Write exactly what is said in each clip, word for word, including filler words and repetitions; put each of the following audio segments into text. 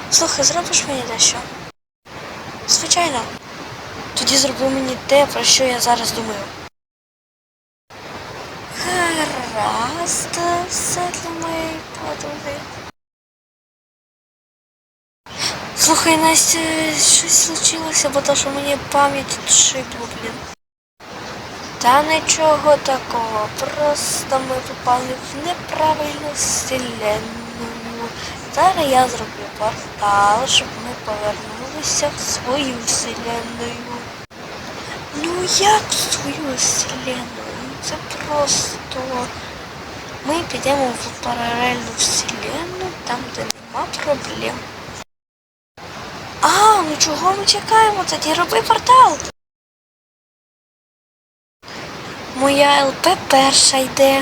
Слухай, зробиш мені дещо? Звичайно. Тоді зроби мені те, про що я зараз думаю. Гаразд, все для моєї подруги. Слухай, Настя, щось случилося, бо то, що мені пам'ять відшибло, блін. Та нічого такого, просто ми попали в неправильну вселенную. Зараз я зроблю портал, щоб ми повернулися в свою вселенную. Ну як в свою вселенную? Це просто... Ми підемо в паралельну вселенну, там де нема проблем. А, ну чого ми чекаємо? Тоді роби портал. Моя ЛП перша йде.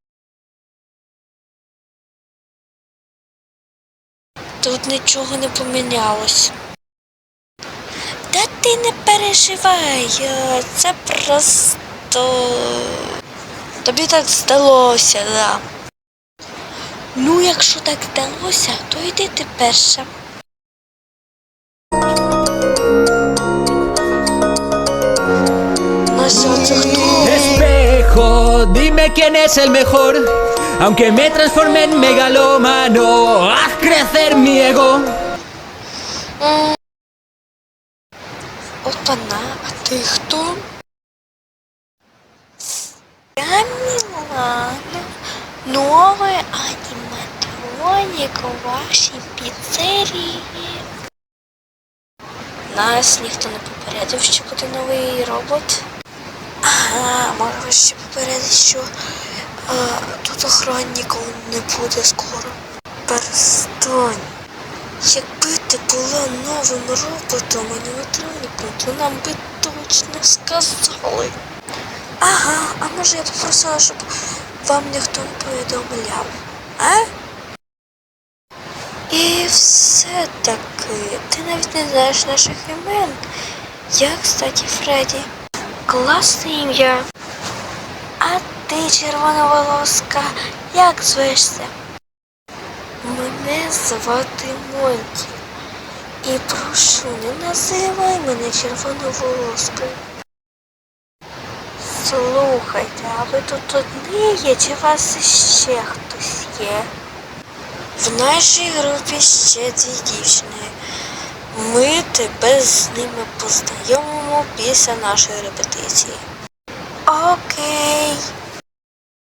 Тут нічого не помінялось. Та ти не переживай, це просто... Тобі так здалося, да. Ну, якщо так здалося, то йди ти перша. Espejo, dime quién es el mejor. Aunque me transforme en megalómano, haz crecer mi ego. Опана, а ти хто? Я Мілана, новий аніматронік у вашій піцерії. Нас ніхто не попередив, що буде новий робот. Ага, може ще попередити, що а, тут охранників не буде скоро. Перестань. Якби ти була новим роботом, аніматроніком, то нам би точно сказали. Ага, а може я попросила, щоб вам ніхто не повідомляв, а? І все-таки, ти навіть не знаєш наших імен. Я, кстати, Фредді. Класне ім'я. А ти, червоноволоска, як звешся? Мене звати Монті. І прошу, не називай мене червоноволоскою. Слухайте, а ви тут одні є, чи у вас ще хтось є? В нашій групі ще дві дівчини. Ми тебе з ними познайомимо після нашої репетиції. Окей.